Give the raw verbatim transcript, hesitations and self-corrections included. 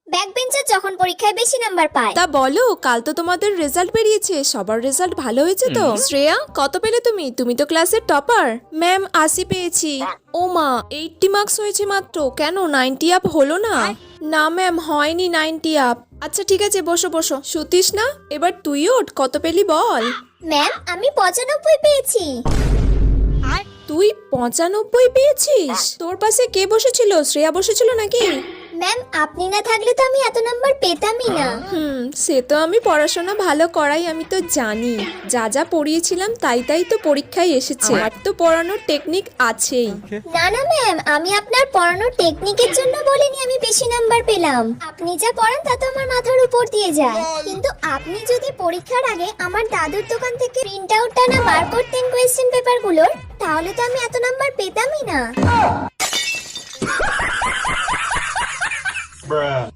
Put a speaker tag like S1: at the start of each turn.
S1: Back bencher যখন পরীক্ষায় বেশি নাম্বার পায়।
S2: তা বলো, কাল তো তোমাদের রেজাল্ট বেরিয়েছে, সবার রেজাল্ট ভালো হয়েছে তো? শ্রেয়া, কত পেলে তুমি? তুমি তো ক্লাসের টপার। ম্যাম, আশি পেয়েছি। ও মা, এইটটি মার্কস হয়েছে মাত্র, কেন নাইনটি আপ হলো না? না ম্যাম, হয়নি নাইনটি আপ। আচ্ছা ঠিক আছে, বসো বসো। শুতিস না, এবার তুই ওঠ, কত পেলি বল।
S1: ম্যাম, আমি পঁচানব্বই পেয়েছি।
S2: তুই পঁচানব্বই পেয়েছিস? তোর পাশে কে বসেছিল? শ্রেয়া বসেছিল নাকি?
S1: ম্যাম, আপনি না থাকলে তো আমি এত নাম্বার পেতামই না।
S2: হুম, সে তো আমি পড়াশোনা ভালো করাই, আমি তো জানি। যা যা পড়িয়েছিলাম তাই তাই তো পরীক্ষায় এসেছে। আর তো পড়ানোর টেকনিক আছেই।
S1: না না ম্যাম, আমি আপনার পড়ানোর টেকনিকের জন্য বলিনি আমি বেশি নাম্বার পেলাম। আপনি যা পড়ান তা তো আমার মাথার উপর দিয়ে যায়। কিন্তু আপনি যদি পরীক্ষার আগে আমার দাদুর দোকান থেকে প্রিন্ট আউটটা না বার করতেন কোয়েশ্চেন পেপারগুলোর, তাহলে তো আমি এত নাম্বার পেতামই না।